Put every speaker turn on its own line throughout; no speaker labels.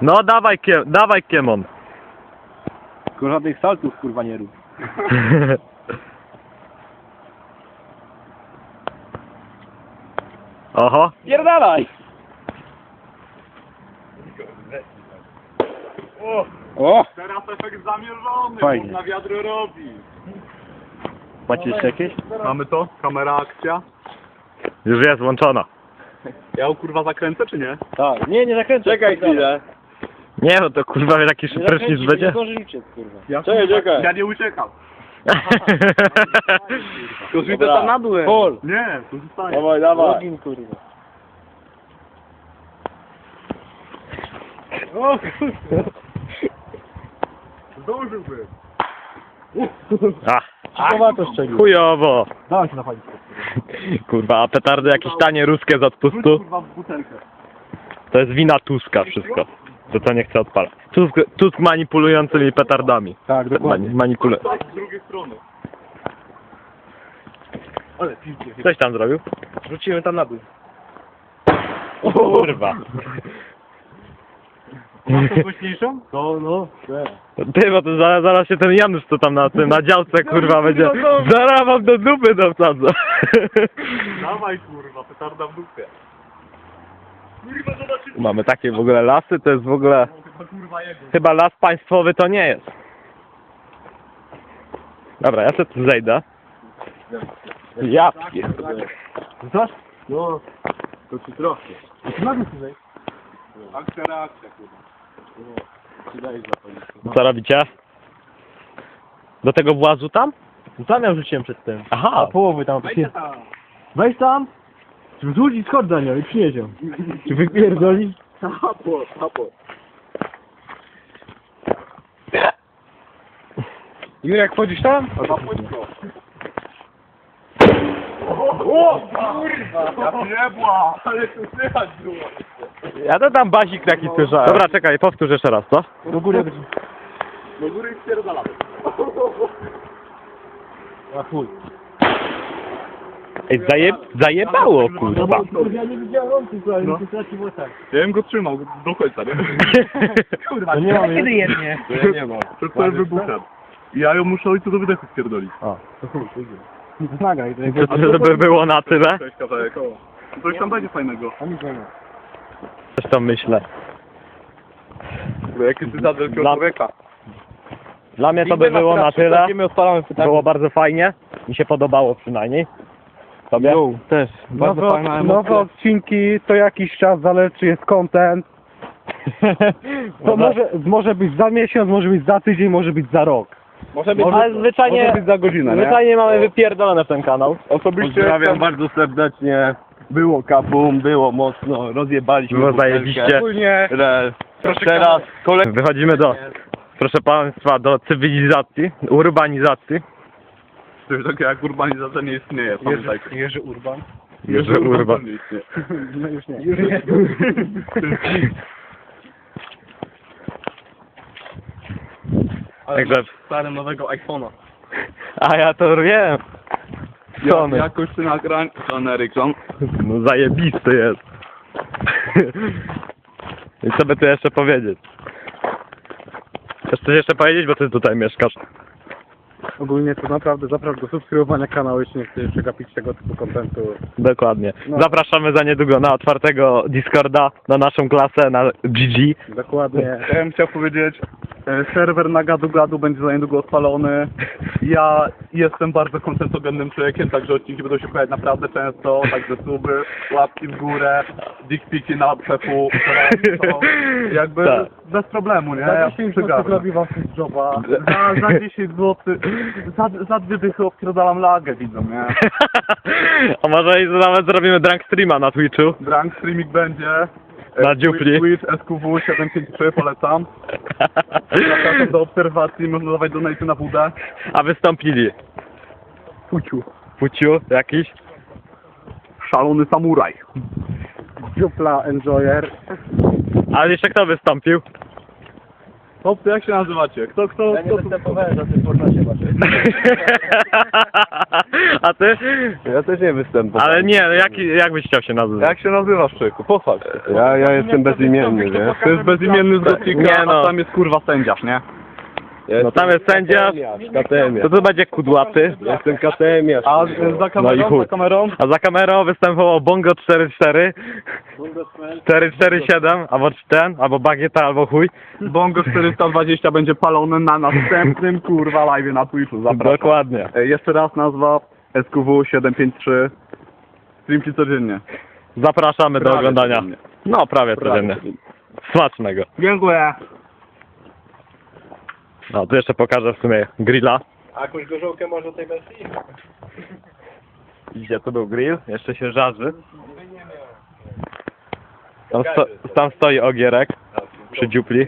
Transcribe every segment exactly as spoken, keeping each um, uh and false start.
No dawaj, kie, dawaj Kiemon.
Tylko żadnych saltów kurwa nie rób.
Oho.
Pierdalaj!
O!
O!
Teraz efekt zamierzony,
Fajnie.
bo na wiadro robi.
Macie jeszcze jakieś?
Mamy to? Kamera, akcja.
Już jest włączona.
Ja ją kurwa zakręcę czy nie?
Tak. Nie, nie zakręcę. Czekaj chwilę.
Nie no to kurwa wie taki prysznic będzie.
Nie zdąży liczyć, kurwa.
Ja,
Czekaj,
kurwa,
czekaj.
ja nie uciekam.
Tylko widzę tam na dół. Pol.
Nie, tu zostaję.
Dawaj, dawaj. Login, kurwa.
O kurwa. Zdążyłbym.
A,
Kurwa to szczegół.
chujowo.
Dawaj się napalić.
Kurwa, a petardy jakieś tanie ruskie z
Rzuć
odpustu?
kurwa w butelkę.
To jest wina Tuska wszystko. To co nie chce odpalać. Tusk, Tusk manipulującymi petardami.
Tak, dokładnie.
Mani, manipulu...
Tak, z drugiej strony. Ale pięknie.
Coś tam zrobił?
Rzuciłem tam na dół.
Kurwa.
Masz to głośniejszą?
No, no.
Ty, bo to zaraz, zaraz się ten Janusz co tam na tym, na działce kurwa będzie. Zaraz wam do dupy dowsadzę.
Dawaj kurwa, petarda w dupie. Kurwa zobaczymy.
Mamy takie w ogóle lasy, to jest w ogóle...
Chyba kurwa jego.
Chyba las państwowy to nie jest. Dobra, ja sobie tu zejdę. Ja pierdolę.
Znasz? No. To ci trochę. Na dół tutaj.
Akcja, reakcja kurwa.
Ci daj zapalić.
Co robicie? Do tego włazu tam?
Tam ja rzuciłem przed tym.
Aha.
A połowy tam.
Wejdźcie tam.
Weź tam. Czy zrzucić skąd za nią i przynieś ją. Czy wypierdolić?
Tapo, tapo.
Jurek, wchodzisz tam?
Na płytko. O kurwa! Ja niebła, ale tu słychać było.
Ja to tam bazik taki słyszałem. Dobra, czekaj, powtórz jeszcze raz, co?
Do góry.
Do góry i spierdalamy.
A chuj.
Ej, zaje, zajebało, kurwa.
Ja nie widziałem on tylko, ale
No.
mi się stracił w oczach.
Ja bym go trzymał do końca, nie? Kurwa,
To nie mamy.
kiedy
jednie? To ja nie mam.
To to jest wybuchem. I ja ją muszę ojcu do wydechu spierdolić.
O.
To chuj, to idzie. To nagraj, to
To, to żeby było na tyle?
Cześć, kawałek. Coś tam będzie fajnego.
A nic nie ma.
Coś tam myślę.
Jaki ty za wielkiego
Dla-
człowieka.
Dla mnie to by było na tyle.
Odpalamy
Było bardzo fajnie. Mi się podobało przynajmniej. Tobie?
też. Bardzo
Nowe,
fajna emocja.
nowe odcinki to jakiś czas, zależy czy jest content. To może, może być za miesiąc, może być za tydzień, może być za rok.
Może być,
Ale zwyczajnie,
Może być za godzinę, nie?
zwyczajnie mamy wypierdolone w ten kanał.
Osobiście
Pozdrawiam bardzo serdecznie. Było kabum, było mocno, rozjebaliśmy
Było
butelkę.
zajebiście.
Ogólnie
Re-
teraz kolej...
Wychodzimy do, proszę państwa, do cywilizacji, urbanizacji.
Coś takiego jak urbanizacja nie istnieje, pamiętajcie.
Jerzy, Jerzy Urban.
Jerzy Urban.
nie istnieje.
No już nie.
Już nie.
Także,
Stary nowego iPhone'a.
a ja to wiem.
Ja,
Sony.
jakoś ty nagrań, Sony Ericsson.
No zajebisty jest. I co by tu jeszcze powiedzieć? Chcesz coś jeszcze powiedzieć, bo ty tutaj mieszkasz.
Ogólnie to naprawdę zapraszam do subskrybowania kanału, jeśli nie chcecie przegapić tego typu kontentu.
Dokładnie.
No.
Zapraszamy za niedługo na otwartego Discorda, na naszą klasę, na G G.
Dokładnie.
Ja bym chciał powiedzieć, e, serwer na gadu gadu będzie za niedługo odpalony. Ja jestem bardzo kontentogennym człowiekiem, także odcinki będą się pojawiać naprawdę często, także suby, łapki w górę, dickpiki na przepu, to jakby
Tak.
bez problemu, nie?
Za
Ja
dziesięć złotych
przygarnę.
robi wam coś joba.
Za, za dziesięć złotych, za, za dwie dychy odpierdalam lagę, widzą, nie?
A może i nawet zrobimy drunk streama na Twitchu?
Drunk streaming będzie. E,
Na dziupli.
Twitch S Q W siedem pięć trzy polecam. Zapraszam do obserwacji, można dawać donate na wódę.
A wystąpili
Fuciu.
Fuciu jakiś?
Szalony samuraj.
Dziupla Enjoyer.
Ale jeszcze kto wystąpił?
Chłopcy, jak się nazywacie? Kto, kto,
Ja nie
kto tu...
występowałem na tym formacie waszym.
A ty?
Ja też nie występowałem.
Ale nie, jak, jak byś chciał się nazywać?
Jak się nazywasz, człowieku? Pochwal się.
Ja, ja jestem bezimienny, nie?
To jest bezimienny z Gotnika,
Nie no.
a tam jest kurwa sędziarz, nie?
Ja
No tam jest sędzia.
Katemiarz.
To to będzie kudłaty.
Jestem katemiarz.
A
kurwa.
za kamerą,
No i chuj.
za kamerą?
A za kamerą występował Bongo cztery cztery, cztery cztery siedem, albo ten, albo Bagieta, albo chuj.
Bongo czterysta dwadzieścia będzie palony na następnym kurwa live na Twitchu, zapraszam.
Dokładnie.
E, Jeszcze raz nazwa S Q W siedem pięć trzy. Streamki codziennie.
Zapraszamy do
Prawie
oglądania.
codziennie.
No, prawie
Prawie
codziennie. Smacznego.
Dziękuję.
No, tu jeszcze pokażę w sumie grilla.
A jakąś gorzołkę może o tej wersji?
Gdzie to był grill? Jeszcze się żarzy. Tam, sto, tam stoi ogierek przy dziupli.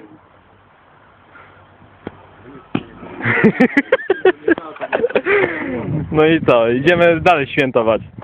No i co? Idziemy dalej świętować.